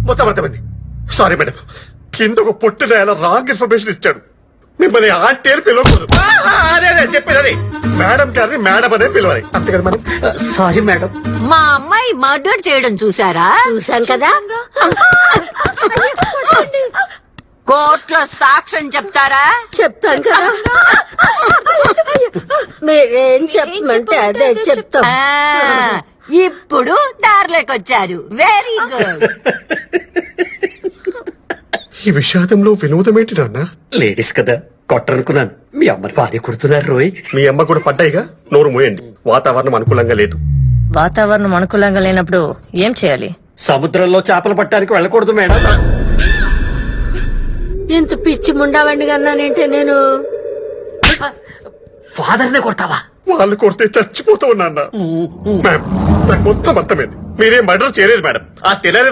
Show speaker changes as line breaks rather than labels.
మొత్తం అర్థమైంది. Sorry madam, కింద ఒక పొట్టిన ఆయన రాంగ్ ఇన్ఫర్మేషన్ ఇచ్చాడు. మిమ్మల్ని ఆంటీ అని పిలవకూడదు. అదే చెప్పేది మేడం గారిని మేడం అనే పిలవాలి, అంతే కదా మేడం?
Sorry madam.
మా అమ్మాయి మర్డర్ చేయడం చూసారా?
చూసాను కదా.
కోర్టులో సాక్ష్యం చెప్తారా?
చెప్తాను కదా. మీరేం చెప్పమంటే అదే చెప్తాం.
ఇప్పుడు దారిలోకి వచ్చారు. Very good.
ఈ విషాదంలో వినోదమేంటి నాన్న?
లేడీస్ కదా కొట్టనుకున్నాను. మీ అమ్మని భార్య కుడుతున్నారు రోయ్.
మీ అమ్మ కూడా పడ్డాయిగా, నోరు మూయండి. వాతావరణం అనుకూలంగా లేదు.
వాతావరణం అనుకూలంగా లేనప్పుడు ఏం చేయాలి?
సముద్రంలో చేపలు పట్టడానికి వెళ్ళకూడదు మేడం.
ఇంత పిచ్చి ముండావండి కన్నానేంటే నేను.
ఫాదర్ నే కొడతావా?
వాళ్ళు కొడితే చచ్చిపోతూ ఉన్నా. మ్యామ్, నాకు మొత్తం అర్థమైంది. మీరేం మర్డర్ చేయలేదు మేడం. ఆ తెల్లని